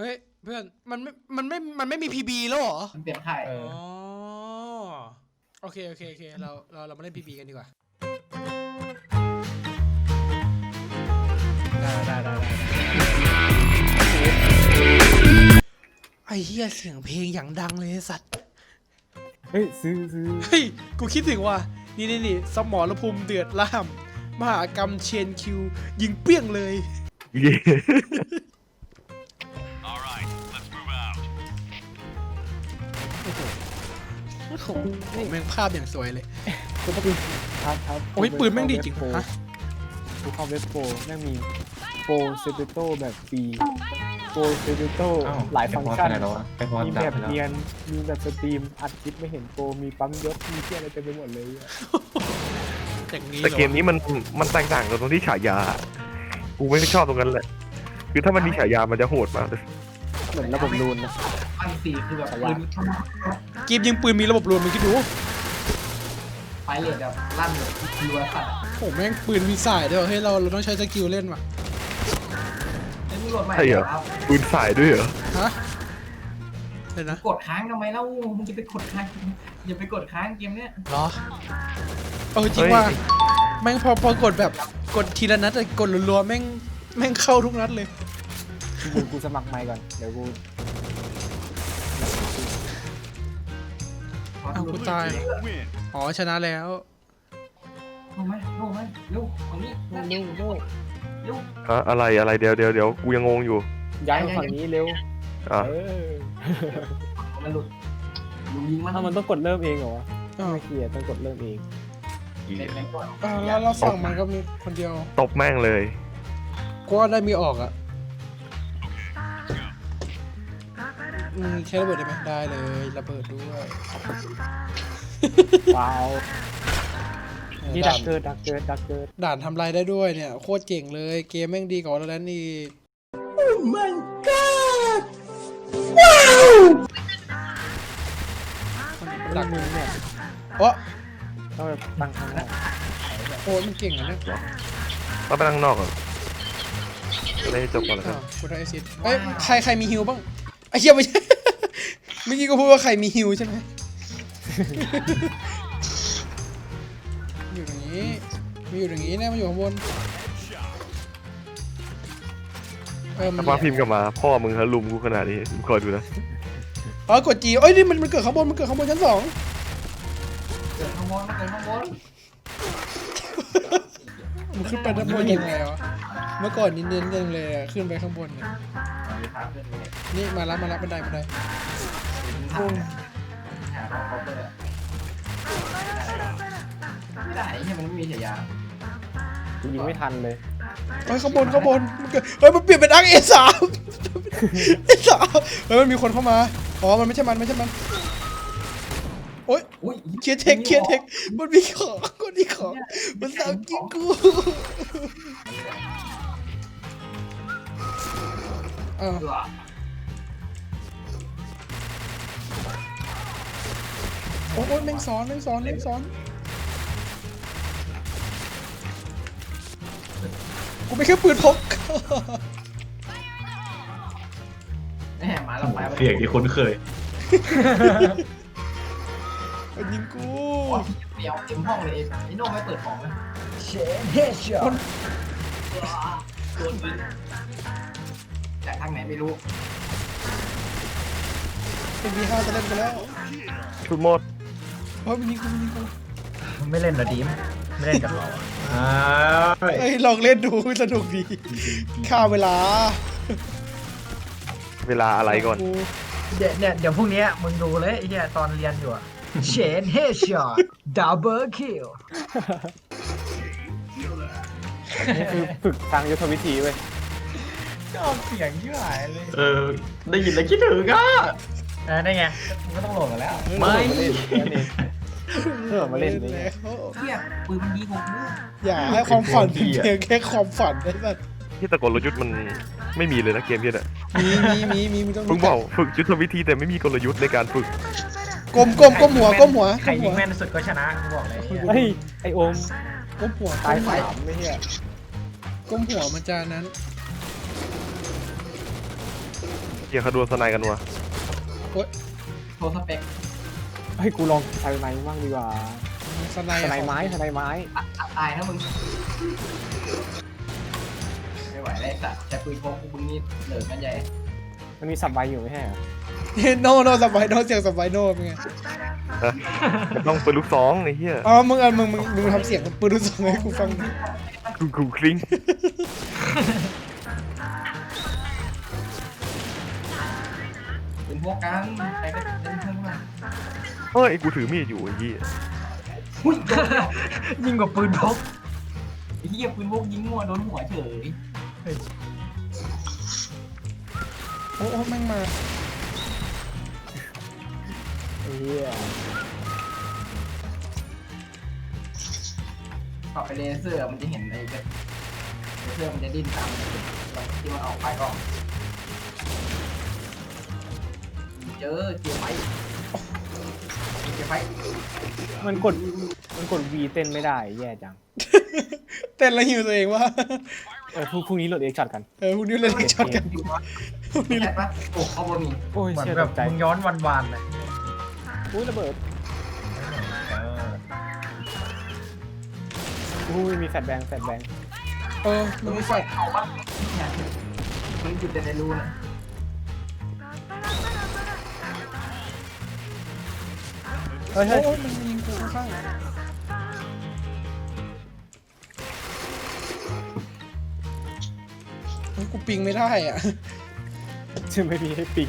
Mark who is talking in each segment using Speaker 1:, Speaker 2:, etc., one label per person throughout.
Speaker 1: เฮ้ยเพื่อนมันไม่มีพีบีแล้วเหรอ
Speaker 2: มันเปลี่ยนค่าย
Speaker 1: อ๋อโอเคเรามาเล่นพีบีกันดีกว่าได้ไอ้เหี้ยเสียงเพลงอย่างดังเลยสัตว์
Speaker 3: เฮ้ยซื้อ
Speaker 1: เฮ้ยกูคิดถึงว่านี่สมรภูมิเดือดล่ามมหากรรมเชนคิวยิงเปี้ยงเลยโอ้โหแม่งภาพอย่างสวยเลย
Speaker 3: กูต้องเป็นครับ
Speaker 1: โอ้ยปืนแม่งดีจริงฮะ
Speaker 3: กูเข้าเว็บโปรแม่งมีโปรเซเปโตแบบฟรีโปรเซเปโตหลายฟังก์ชันมีแบบเนียนมีแบบสตรีมอัดคลิปไม่เห็นโปรมีปั๊มยศมีเที่ยอะไรเต็มไปหมดเลย
Speaker 4: แต่เกมนี้มันแตกต่างกันตรงที่ฉายากูไม่ชอบตรงนั้นแหละคือถ้ามันมีฉายามันจะโหดมากเลย
Speaker 3: เหมือนระบบรูนนะ
Speaker 2: อันสี่คือแบบปืน
Speaker 1: เกมยิงปืนมีระบบรวนมึงคิดดู
Speaker 2: ไฟเลทแบบลั่นแบบรัวสัตว์
Speaker 1: โอ้แม่งปืนมีสายด้วยเฮ้ยเราต้องใช้สกิลเล่นว่ะ
Speaker 4: ใช่เหรอปืนสายด้วยเหรอ
Speaker 1: ฮะเดี๋ยวนะ
Speaker 2: กดค้างทำไมเล่ามึงจะไปกดค้างอย่าไปกดค้างเกมเนี้ย
Speaker 1: เหรอจริงว่าแม่งพอกดแบบกดทีละนัดแต่กดรัวๆแม่งเข้าทุกนัดเลย
Speaker 3: กูสมัครใหม่ก่อนเดี๋ยว
Speaker 1: กูตายอ๋อชนะแล้ว
Speaker 2: ลงไหมเร็วฝั่งนี้เร็ว
Speaker 4: อะไรเดี๋ยวกูยังงงอยู่
Speaker 3: ย้ายมาฝั่งนี้เร็ว
Speaker 2: มันหลุดยิง
Speaker 3: มันต้องกดเริ่มเองเหรอไม่เกียร์ต้องกดเริ่มเอง
Speaker 1: แล้วเราสั่งมันก็มีคนเดียว
Speaker 4: ตบแม่งเลย
Speaker 1: ก็ได้มีออกอ่ะแค่ระเบิดได้ไหมได้เลยระเบิดด้วย
Speaker 3: ว้าวนี่ดักเกิด
Speaker 1: ด่านทำลายได้ด้วยเนี่ยโคตรเจ๋งเลยเกมแม่งดีกว่าเราแล้วนี่โอ้ my god ว้าว
Speaker 3: ดักมือเนี่ยต้องแบบตั้งข้างนอก
Speaker 1: โอ้มันเก่งอ่ะเนี่ย
Speaker 4: ต้องไปตั้งนอกเหรอได้จบก่อนแล้วกัน
Speaker 1: กูได้แอซิดเอ้ยใครมีฮิวบ้างไอ้เหี้ยไม่ใช่เมื่อกี้ก็พูดว่าใครมีฮิวใช่ไหมอยู่ตรงนี้มีอยู่ตรงนี้นะมันอยู่ข้างบน
Speaker 4: ถ้ามาพิมพ์กลับมาพ่อมึงฮะลุมกูขนาดนี้มึงคอยดูนะ
Speaker 1: กดจีเอ้ยนี่มันเกิดข้างบนชั้น2
Speaker 2: เกิดข้างบน
Speaker 1: มันขึ้นไปด้านบนยังไงวะเมื่อก่อนเน้นๆยังเลยขึ้นไปข้างบนเนี่ยนี่มารับบันไดไม่ได้
Speaker 2: เนี่ยมันไม่มีฉายา
Speaker 3: ยิงไม่ทันเลย
Speaker 1: ข้างบนเฮ้ยมันเปลี่ยนเป็นอังA3 เฮ้ยมันมีคนเข้ามาอ๋อมันไม่ใช่มันโอ๊ยเคลียร์เทคมันมีของมันสาวกินกูโอ้ยแม่งซ้อนกูไม่แค่ปืนพก
Speaker 2: มาแล้วไป
Speaker 4: เสียงที่คุ้นเคย
Speaker 1: มันยิงกู
Speaker 2: เดี๋ยวเต็มห้องเลยไอ้โน่ไม่เปิดของเลยเชนเฮชช็อตโดนยิงจากทางไหนไม่รู้
Speaker 1: เป็นV5จะเล่นไปแล้ว
Speaker 4: ชุดหมด
Speaker 1: มันยิงกู
Speaker 2: ไม่เล่นหรอดีมไม่เล่นกับเรา
Speaker 1: เฮ้ยลองเล่นดูสนุกดีฆ่าเวลา
Speaker 4: อะไรก่อน
Speaker 2: เดี๋ยวพรุ่งนี้มึงดูเลยไอ้เนี่ยตอนเรียนอยู่อะเชนเฮชช็อตดับเบิลคิล
Speaker 3: นี่คือฝึกทางยุทธวิธีเว้ย
Speaker 2: ชอบเสียงยิ่งหายเลย
Speaker 4: ได้ยินแล้วคิดถึงอ่ะ
Speaker 2: ได้ไงมึงก็ต้องโหลดกันแล้ว
Speaker 3: ไม่มาเล่นนี่
Speaker 2: เที่ยปืนมันดีกว่า
Speaker 1: อย่าให้ความฝันเพียงแค่ความฝันได้แบบ
Speaker 4: ที่ตะกลยุทธ์มันไม่มีเลยนะเกมนี้น่ะ
Speaker 1: มี
Speaker 4: มึงบอกฝึกยุทธวิธีแต่ไม่มีกลยุทธ์ในการฝึก
Speaker 1: ก้มหัว
Speaker 2: ใครยิงแม่นสุดก็ชนะกูบอกเลย
Speaker 3: ไอโอม
Speaker 1: ก้มหัว
Speaker 3: ตาย3ไม่ใช่
Speaker 1: ก้มหัวมันจะนั้น
Speaker 4: เฮียเขาโดนสไนกันวะ
Speaker 2: โชว์สเปค
Speaker 3: เฮ้ยกูลองสไนด์บ้างดีกว่า
Speaker 1: สไน
Speaker 3: สไนด์ไม้สไนด์ไม้
Speaker 2: ตายนะมึงไม่ไหวแล้วสัตว์แต่ปืนพกมึงนี่เหลือกันใหญ่
Speaker 3: มันมีสับใบอยู่ไม่ใช่เหรอ
Speaker 1: โนสบายโนเสียงสบายโนเป็นไง
Speaker 4: มันต้องเป็นลูกซองไอ้เหี้ย
Speaker 1: อ๋อมึงทำเสียงปืนลูกซองให้กูฟังหน่อย
Speaker 4: กูคลิ้ง
Speaker 2: ปืนพกกันใครก็เล่นเครื่องมา
Speaker 4: เฮ้ยกูถือมีดอยู่ไอ้เหี้ย
Speaker 2: อุ้ยยิงกว่าปืนพกไอ้เหี้ยปืนพกยิงงัวโดนหัวเฉย
Speaker 1: โอ้แม่งมา
Speaker 3: ไอ้เหี้ย
Speaker 2: ต่อไปเลเซอร์มันจะเห็นไอ้เลเซอร์มันจะดิ้นตามที่มันออกไปก็เจอไฟ
Speaker 3: มันกด V เต้นไม่ได้แย่จัง
Speaker 1: เต้นแล้วหิวตัวเองว่า
Speaker 3: พรุ่งนี้โหลดเอ็กช็อตกัน
Speaker 1: พวกนี้เล่นช็อตกันพวกนี้
Speaker 2: นี่
Speaker 1: เล่น
Speaker 2: ปะโอ้เขาบมี
Speaker 3: โอ้ย
Speaker 5: เหมือน
Speaker 3: เชี่ย
Speaker 5: แบ
Speaker 3: ต
Speaker 5: บ
Speaker 3: กใจ
Speaker 5: มึงย้อนวันๆเลย
Speaker 3: อุ้ยระเบิด
Speaker 5: เออ
Speaker 3: อุ้ยมีแฟลชแบงค์
Speaker 1: มึงไม่ไฟ
Speaker 2: เขาปะเนี่ยมันจุดในรูนะ
Speaker 3: เฮ้ย
Speaker 1: โอ้มันยิงกูข้างกูปิงไม่ได้อ่ะ
Speaker 3: จะไม่มีให้ปิง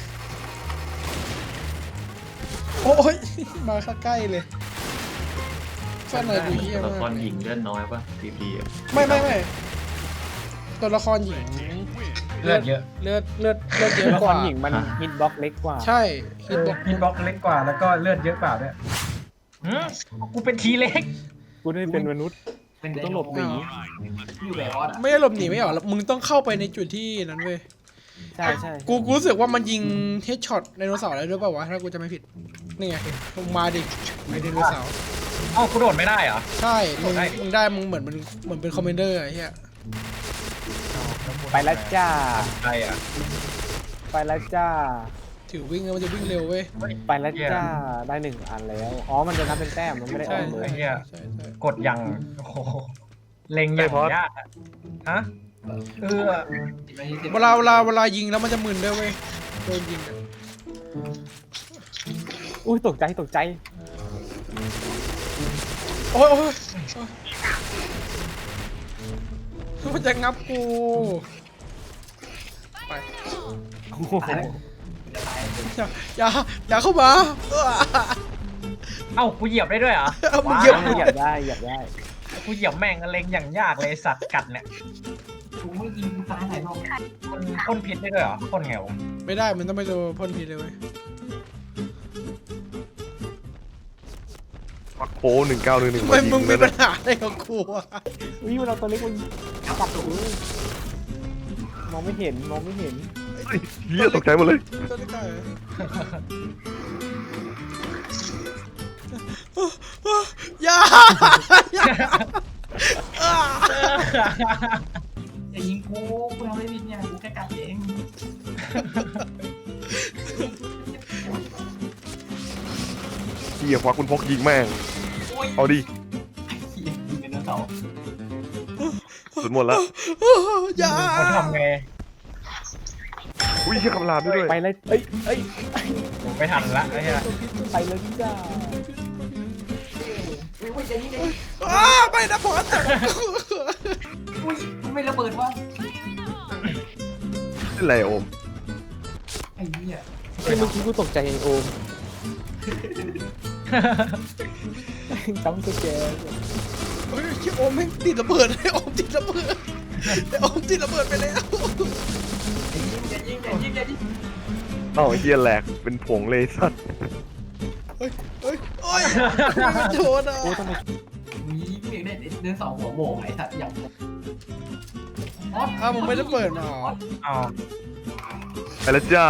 Speaker 1: โอ้ยมาใกล้เลยแฟนหน่อยดูเยี่ย
Speaker 6: ตัวละค
Speaker 1: มาร ก
Speaker 6: หญิงเลือดน้อยป่ะทีพี
Speaker 1: ไม่ตัวละครหญิง
Speaker 5: เลือดเยอะ
Speaker 1: เลือดเย
Speaker 3: ตัว
Speaker 1: อะ
Speaker 3: ละ
Speaker 1: ก
Speaker 3: ค
Speaker 1: ว่าร
Speaker 3: หญิงมันฮิตบล็อกเล็กกว่า
Speaker 1: ใช่ฮิตบอก
Speaker 5: ฮิตบ็อกเล็กกว่าแล้วก็เลือดเยอะกว่าด้วยกูเป็นทีเล็ก
Speaker 3: กูได้เป็นมนุษย์
Speaker 2: เป็น
Speaker 3: กูต้องหลบหนี
Speaker 2: อยู่แบบออด
Speaker 1: ไม่ได้หลบหนีไม่หรอกมึงต้องเข้าไปในจุดที่นั้นเว้ย
Speaker 3: ใช่ใช่
Speaker 1: กูรู้สึกว่ามันยิงเฮดช็อตไดโนเสาร์ได้ด้วยเปล่าวะถ้ากูจะไม่ผิดนี่ไงลงมาดิไอไดโนเสาร์
Speaker 5: เอ้ากูโดดไม่ได้เหรอ
Speaker 1: ใช่มึงได้มึงเหมือนเป็นคอมเมนเดอร์ไอ้เหี้ย
Speaker 3: ไปแล้วจ้า
Speaker 5: ใครอ่ะ
Speaker 3: ไปแล้วจ้า
Speaker 1: ถือวิ่งแล้วมันจะวิ่งเร็วเว้ย
Speaker 3: ไปแล้วจ้าได้1 อันแล้วอ๋อมันจะนับเป็นแต้มมันไม่ได้อ
Speaker 1: ใช่
Speaker 3: อกเล
Speaker 5: ไอ้
Speaker 3: ย
Speaker 5: เหี้ย
Speaker 1: ใช่
Speaker 5: กดยังโอ้โหเล็งอย่างยากอะฮะ
Speaker 1: เวลายิงแล้วมันจะมึนด้วยเว้ยโดนยิงอะ
Speaker 3: อุ้ยตกใจ
Speaker 1: โอ้ยมันจะงับกูไป
Speaker 3: โอ้โห
Speaker 2: จะตาย
Speaker 1: อย่าเข้ามา
Speaker 5: เอ้ากูเหยียบได้ด้วยเหรอ
Speaker 1: เอามึงเหยียบ
Speaker 3: เหยียบได้
Speaker 5: กูเหยียบแม่งเล็งอย่างยากเลยสัตว์กัดเนี่ย
Speaker 2: กูไม่ยิงตายไหนบ้าง
Speaker 5: มันพ่นพิษได้ด้วยเหรอพ่นไงวะ
Speaker 1: ไม่ได้มันต้องไปโดนพ่นพิษเลยเว้ย
Speaker 4: มักโป้1911
Speaker 1: ทำไมมึงมีปัญหาอะไรกับกูอะ
Speaker 3: อุ้ยเราตัวเล็กมันปับกูมองไม่เห็น
Speaker 4: เฮ้ยเหี้ยตกใจหมดเลย
Speaker 1: ตัวเล็กได้เหรออย่า
Speaker 2: อย่ายิงกูทำไม่ผิดเนี่ยกูแค่กัดเอง
Speaker 4: เหี้ยควักคุณพกยิงแม่งเอาดิ
Speaker 2: ยิงเป็นเสา
Speaker 4: สุดหมดแล้ว
Speaker 1: อย่า
Speaker 5: เขาทำไง
Speaker 4: อุ้ยเหี้ยคำรามด้วย
Speaker 3: ไปเลยเอ้ย
Speaker 5: ผมไม่ทันละไอ้เหี้ย
Speaker 3: ไปเลยจ้า
Speaker 2: อุ้ยจะยิงเลย
Speaker 1: ไปนะพอส
Speaker 2: อุ้ยมันไม่ระเบิดวะ
Speaker 4: นี่อะไรโอม
Speaker 2: ไอ้เหี้ย
Speaker 3: เมื่อกี้กูตกใจไอ้โอมจำสแกน
Speaker 1: เฮ้ยชิโอมแม่งติดระเบิดไอ้โอมติดระเบิดไอ้โอมติดระเบิดไปแล้ว
Speaker 2: อย่ายิง
Speaker 4: เอ้าไอ้เหี้ยแหลกเป็นผงเลยสัตว์
Speaker 1: โอ้ยไม่โดนอ่ะ
Speaker 3: โอ้ทำไม
Speaker 2: มีเด็กได้เดินเสาหัวโบกไอ้สัตว์อย่างออส
Speaker 1: อ้าวมึงไม่ได้เปิดมาเหรอ
Speaker 5: เอา
Speaker 4: ไปแล้วจ้า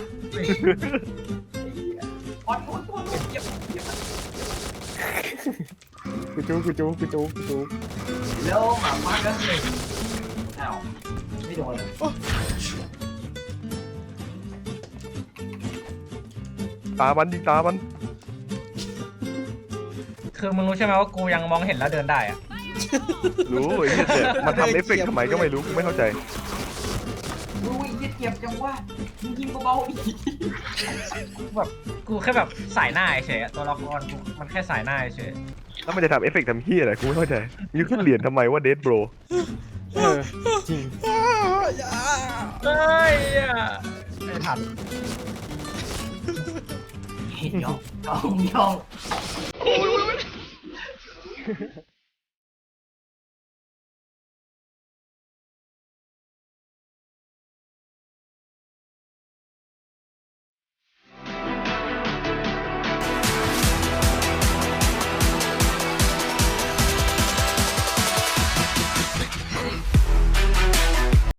Speaker 2: ออสตัวเหยียบ
Speaker 3: กูจู๊
Speaker 2: แล้วหมาพักแล้วอ้าวไม่โดนเลย
Speaker 4: ตามันยิงตามัน
Speaker 5: คือมึงรู้ใช่ไหมว่ากูยังมองเห็นแล้วเดินได้อะ
Speaker 4: รู้ไอ้เหี้ยแต่มันทำเอฟเฟกต์ทำไมก็ไม่รู้กูไม่เข้าใจ
Speaker 2: อุ้ยเจ็บจังวะมึงยิงเบาๆดิ
Speaker 5: แบบกูแค่แบบสายหน้าเฉยๆตัวละครกูมันแค่สายหน้าเฉย
Speaker 4: แล้วมันจะทำเอฟเฟกต์ทำเหี้ยอะไรกูไม่เข้าใจยูขึ้นเหรียญทำไมว่าเดดโบร
Speaker 3: เออจริง
Speaker 5: เฮ้ยไม่ทัน
Speaker 2: ย่องย่อง